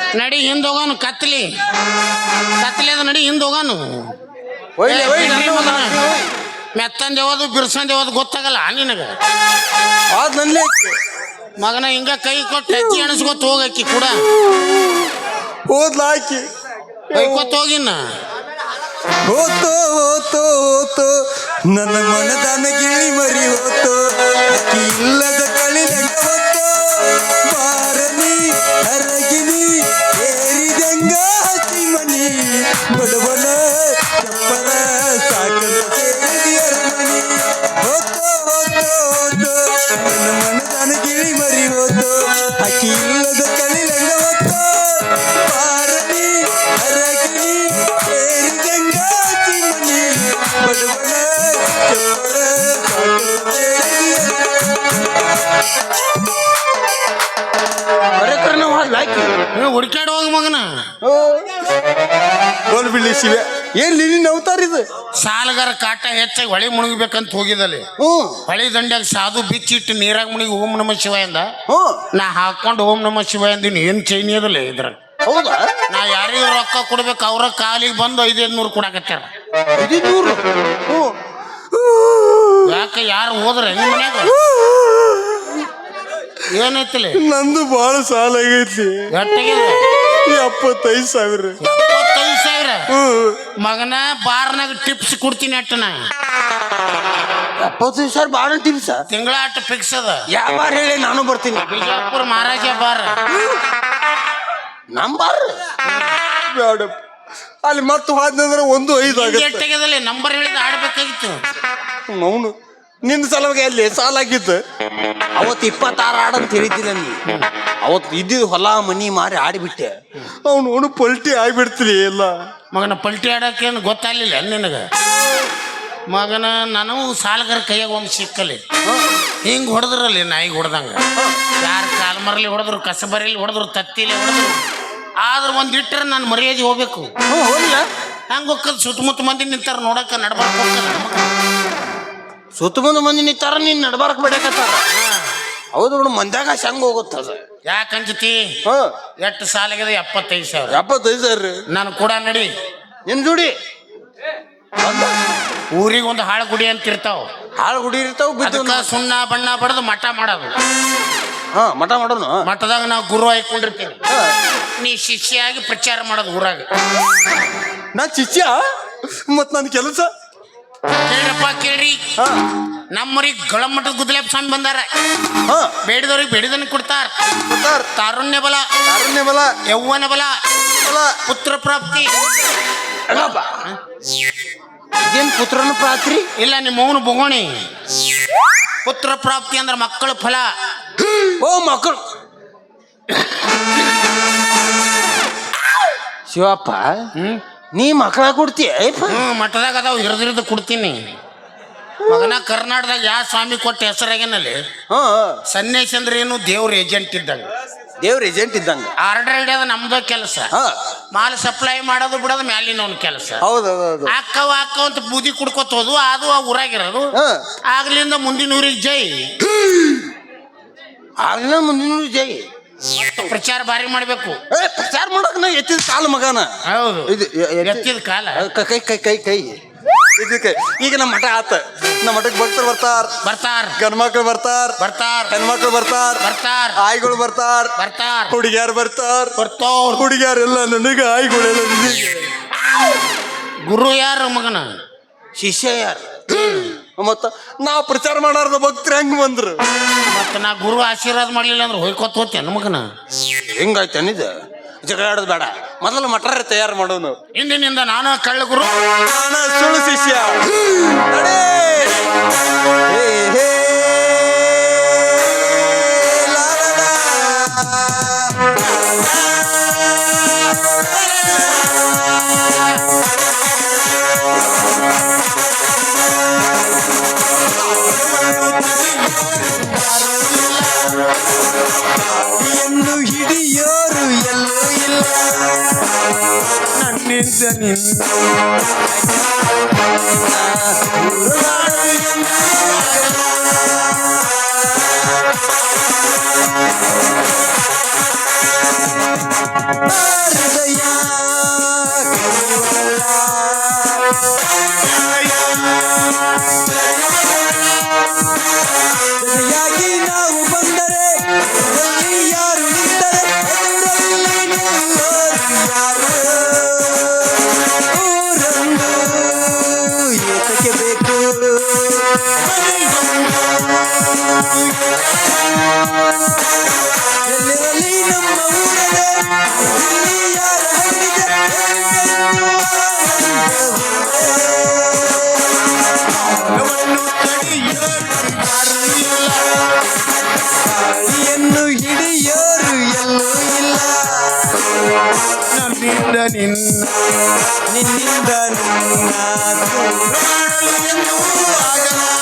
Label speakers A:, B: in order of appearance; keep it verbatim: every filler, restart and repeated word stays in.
A: ನಡಿ ಹಿಂದ್ ಹೋಗೋನು ಕತ್ಲಿ ಕತ್ಲಿ ಅದ ನಡಿ ಹಿಂದ್ ಹೋಗೋನು ಮೆತ್ತಂದ ಯಾವ್ದು ಬಿರ್ಸಂದ ಯಾವ್ದು ಗೊತ್ತಾಗಲ್ಲ ನಿನಗ ಮಗನ ಹಿಂಗ ಕೈ ಕೊಟ್ಟು ಹೆಜ್ಜೆ ಎಣಸ್ಕೊತ ಹೋಗಕ್ಕಿ ಕೂಡ
B: ಹೋದ್ಲ ಹಾಕಿ
A: ಕೈಕೊತ್ ಹೋಗಿನ
B: ಹೋತೋ ಹೋತೋ ಹೋತೋ ನನ್ನ ಮನದಾನ ಗಿಳಿ ಮರಿ ಹೋತೋ ಅಕ್ಕಿ ಇಲ್ಲದ ಕಳಿಲಂಗ ಹೋತೋ ಬಾರನಿ ಹರಗಿನಿ ಏರಿದಂಗ ಹಸಿ ಮನಿ ಬಡವನ ಚಪ್ಪರ ಸಾಕನ ಸೇರಿ ಅರಮನಿ ಹೋತೋ ಹೋತೋ ಹೋತೋ ನನ್ನ ಮನದಾನ ಗಿಳಿ ಮರಿ ಹೋತೋ ಅಕ್ಕಿ ಇಲ್ಲದ ಕಳಿಲಂಗ ಹೋತೋ ಬಾರನಿ ಹರಗಿನಿ ಏರಿದಂಗ ಹಸಿ ಮನಿ ಬಡವನ ಚಪ್ಪರ ಸಾಕನ ಸೇರಿ
A: ಹುಡ್ಕಾಡ್ ಹೋಗ ಮಗನ
B: ಗೋಲ್ ಬಿಡ್ಲಿ ಶಿವ ಏನ್ ನೀನ್ ಅವತಾರಿದು
A: ಸಾಲಗಾರ ಕಾಟ ಹೆಚ್ಚಾಗಿ ಹೊಳಿ ಮುಳುಗಬೇಕಂತ ಹೋಗಿದಲ್ಲಿ
B: ಹ್ಮ್
A: ಹೊಳಿ ದಂಡ್ಯಾಗ ಸಾಧು ಬಿಚ್ಚಿಟ್ಟು ನೀರಾಗ ಮುಳುಗಿ ಓಂ ನಮ ಶಿವ ಎಂದ
B: ಹ್ಮ್
A: ನಾ ಹಾಕೊಂಡು ಓಂ ನಮ ಶಿವ ಎಂದಿನಿ ಏನ್ ಚೈನಿ ಅದಲ್ಲ ಇದ್ರ
B: ಹೌದಾ
A: ನಾ ಯಾರಿಗೂ ರೊಕ್ಕ ಕೊಡ್ಬೇಕು ಅವ್ರ ಕಾಲಿಗೆ ಬಂದು ಐದೈದು ನೂರು ಕೊಡಾಕತ್ತಾರ
B: ಐದುನೂರು ಹ್ಮ್
A: ಯಾಕೆ ಯಾರು ಹೋದ್ರ ನಿಮ್ಮ ಮನ್ಯಾಗ ಏನೈತಿಲ್ಲ
B: ನಂದು ಬಾಳ ಸಾಲ ಆಗೈತಿ
A: ಎಷ್ಟಾಗಿದೆ
B: ಎಪ್ಪತ್ತೈದು ಸಾವಿರ
A: ಎಪ್ಪತ್ತೈದು ಸಾವಿರ
B: ಹ್ಮ್
A: ಮಗನ ಬಾರ್ನಾಗ ಟಿಪ್ಸ್ ಕೊಡ್ತೀನಿ ಅಟ್ಟನ
B: ಎಪ್ಪತ್ತೈದು ಸಾವಿರ ಬಾಳ ಟಿಪ್ಸ
A: ತಿಂಗಳ ಅಟ್ಟು ಫಿಕ್ಸ್ ಅದ
B: ಯಾವ ಬಾರ್ ಹೇಳಿ ನಾನು ಬರ್ತೀನಿ
A: ಬಿಜಾಪುರ ಮಹಾರಾಜ ಬಾರ್
B: ನಮ್ ಬಾರ್ ಬೇಡ ಅಲ್ಲಿ ಮತ್ತೆ ಹೋದ್ನಂದ್ರೆ ಒಂದು ಐದು ಆಗುತ್ತೆ
A: ಎಷ್ಟಾಗ್ಯದಲ್ಲ ನಂಬರ್ ಹೇಳಿದ ಆಡ್ಬೇಕಾಗಿತ್ತು
B: ಅವನು ನಿನ್ನ ಸಲುವಾಗಿ ಅಲ್ಲಿ ಸಾಲ ಆಗಿತ್ತು ಅವತ್ತು ಇಪ್ಪತ್ತಾರು ಆಡಂತ ಹೇಳಿದ್ದಿಲ್ಲ ನೀ ಅವತ್ತು ಇದ್ದಿದ್ದು ಹೊಲ ಮನಿ ಮಾರಿ ಆಡಿಬಿಟ್ಟೆ ಅವನು ಅವನು ಪಲ್ಟಿ ಆಗಿಬಿಡ್ತೀರಿ ಎಲ್ಲ
A: ಮಗನ ಪಲ್ಟಿ ಆಡೋಕೇನು ಗೊತ್ತಾಗಲಿಲ್ಲ ನಿನಗ ಮಗನ ನನಗೂ ಸಾಲಗಾರ ಕೈಯಾಗ ಒಂದು ಸಿಕ್ಕಲಿ ಹಿಂಗೆ ಹೊಡೆದ್ರಲ್ಲಿ ನಾಯಿಗೆ ಹೊಡೆದಂಗ ಯಾರು ಕಾಲ್ ಮರಲಿ ಹೊಡೆದ್ರು ಕಸಬರಿಲಿ ಹೊಡೆದ್ರು ತತ್ತಿಲಿ ಹೊಡೆದ್ರು ಆದ್ರೆ ಒಂದು ಇಟ್ಟರೆ ನಾನು ಮರ್ಯಾದೆ ಹೋಗ್ಬೇಕು
B: ಹೋಗಿಲ್ಲ
A: ಹಂಗೆ ಹೋಗ್ತದ ಸುತ್ತಮುತ್ತ ಮಂದಿ ನಿಂತಾರ ನೋಡಕ್ಕೆ ನಡ್ಬಾರ್ಕ ಹೋಗ್ತದ
B: ಸುತ್ತಮುತ್ತ ಮಂದಿ ನಿಂತಾರ ನೀನ್ ನಡ್ಬಾರಕ್ ಬಿಡಕತ್ತಾರ ಹೌದು ಬಿಡು ಮಂದ್ಯಾಗ ಹೆಂಗ್ ಹೋಗುತ್ತದ
A: ಯಾಕಂಜತಿ ಎಷ್ಟು ಸಾಲಾಗಿದೆ ಎಪ್ಪತ್ತೈದು ಸಾವಿರ
B: ಎಪ್ಪತ್ತೈದು ಸಾವಿರ
A: ನಾನು ಕೂಡ ನಡಿ
B: ನಿನ್ ಜೋಡಿ
A: ಊರಿಗೆ ಒಂದು ಹಾಳು ಗುಡಿ ಅಂತ ಇರ್ತಾವ
B: ಹಾಳು ಗುಡಿ ಇರ್ತಾವ
A: ಅದಕ್ಕ ಸುಣ್ಣ ಬಣ್ಣ ಬಡ್ದು ಮಠ ಮಾಡೋದು
B: ಹಾ ಮಠ ಮಾಡೋಣ
A: ಮಠದಾಗ ನಾವು ಗುರು ಹಾಕೊಂಡಿರ್ತೀವಿ ನೀ ಶಿಷ್ಯಾಗಿ ಪ್ರಚಾರ ಮಾಡೋದು ಊರಾಗ
B: ನಾ ಶಿಷ್ಯ ಮತ್ ನನ್ ಕೆಲಸ
A: ಕೇಳ್ರಪ್ಪ ಕೇಳ್ರಿ ನಮ್ಮೂರಿಗೆ ಗಳಮಠದ ಗುದ್ದಲೇಪ ಸ್ವಾಮಿ ಬಂದಾರ ಬೇಡಿದವ್ರಿಗೆ ಬೇಡಿದನ್ ಕೊಡ್ತಾರ ತಾರುಣ್ಯ ಬಲ
B: ಕಾರುಣ್ಯ ಬಲ
A: ಯೌವನ ಬಲ ಪುತ್ರ ಪ್ರಾಪ್ತಿ
B: ಇದೇನ್ ಪುತ್ರನ ಪ್ರಾತ್ರಿ
A: ಇಲ್ಲ ನಿಮ್ಮ ಮೌನ ಬೊಗೋಣಿ ಪುತ್ರ ಪ್ರಾಪ್ತಿ ಅಂದ್ರೆ ಮಕ್ಕಳ ಫಲ
B: ಓ ಮಕ್ಕಳು ಶಿವಪ್ಪ ನೀ ಮಕ್ಕಳ ಕೊಡ್ತೀಯ
A: ಹ್ಮ್ ಮಠದಾಗ ಅದಾವ ಹಿರಿದು ಹಿರಿದು ಕೊಡ್ತೀನಿ ಮಗನ ಕರ್ನಾಟಕದಾಗ ಯಾವ ಸ್ವಾಮಿ ಕೊಟ್ಟ ಹೆಸರಾಗೇನಲ್ಲಿ ಸನ್ಯಾಸಿ ಅಂದ್ರೆ ಏನು ದೇವ್ರ ಏಜೆಂಟ್ ಇದ್ದಂಗ
B: ದೇವ್ರ ಏಜೆಂಟ್ ಇದ್ದಂಗ
A: ಆರ್ಡರ್ ಹಿಡಿಯೋದು ನಮ್ದು ಕೆಲಸ ಮಾಲ್ ಸಪ್ಲೈ ಮಾಡೋದು ಬಿಡೋದು ಮ್ಯಾಲಿನ ಅವ್ನ ಕೆಲಸ
B: ಹೌದೌದು
A: ಅಕ್ಕವ ಅಕ್ಕ ಅಂತ ಬೂದಿ ಕುಡ್ಕೋತ ಹೋದು ಅದು ಆ ಊರಾಗಿರೋದು ಆಗ್ಲಿಂದ ಮುಂದಿನ ಊರಿಗೆ ಜೈ
B: ಆಗ್ಲಿಂದ ಮುಂದಿನ ಜೈ
A: ಪ್ರಚಾರ ಭಾರಿ ಮಾಡ್ಬೇಕು
B: ಪ್ರಚಾರ ಮಾಡಕ್ ನಾ ಎತ್ತಿದ ಕಾಲ ಮಗನ
A: ಹೌದು
B: ಇದು
A: ಎತ್ತಿದ ಕಾಲ
B: ಕೈ ಕೈ ಕೈ ಕೈ ಇದಕ್ಕೆ ಈಗ ನಮ್ಮ ಮಠ ಆತ ನಮ್ಮ ಮಠಕ್ಕೆ ಭಕ್ತರು ಬರ್ತಾರ
A: ಬರ್ತಾರ
B: ಗಂಡ್ಮಕ್ಳು ಬರ್ತಾರ
A: ಬರ್ತಾರ
B: ಹೆಣ್ಮಕ್ಳು ಬರ್ತಾರ
A: ಬರ್ತಾರ
B: ಆಯ್ಗಳು ಬರ್ತಾರ
A: ಬರ್ತಾರ
B: ಹುಡುಗಿಯಾರು ಬರ್ತಾರ
A: ಬರ್ತಾವ್ರ
B: ಹುಡುಗಿಯಾರೆಲ್ಲ ನನಗೆ ಆಯ್ಗಳೆಲ್ಲ ನಿನಗೆ
A: ಗುರು ಯಾರು ಮಗನ
B: ಶಿಷ್ಯ ಯಾರು ಮತ್ತ ನಾವು ಪ್ರಚಾರ ಮಾಡಾರ್ದ ಭಕ್ತರು ಹೆಂಗ್ ಬಂದ್ರು
A: ಮತ್ತ ನಾ ಗುರು ಆಶೀರ್ವಾದ ಮಾಡ್ಲಿಲ್ಲ ಅಂದ್ರೆ ಹೋಯ್ಕೊತ ಹೋಗ್ತೇನೆ ಮಗನ
B: ಹೆಂಗಾಯ್ತು ನಿಜ ಜಗಳ ಆಡೋದು ಬೇಡ ಮೊದಲು ಮಟರ ತಯಾರು ಮಾಡೋನು
A: ಇಂದಿನಿಂದ ನಾನು ಕಳ್ಳ ಗುರು
B: ನಾನು ಸುಳ್ಳು ಶಿಷ್ಯ ನಡೆ. ಹೇ, ಹೇ, ಲಾ, ಲಾ, ಲಾ. ಹಿಡಿಯೋರು ಎಲ್ಲೂ ಇಲ್ಲ ನನ್ನಿಂದ ನಿನ್ನ Ah
A: ನಿನ್ನಿಂದ ನಿನ್ನ
B: ನಿನ್ನಿಂದ ನಿನ್ನ
A: ಮಾಡಲು ಎಂದೂ ಆಗಲಾರದು.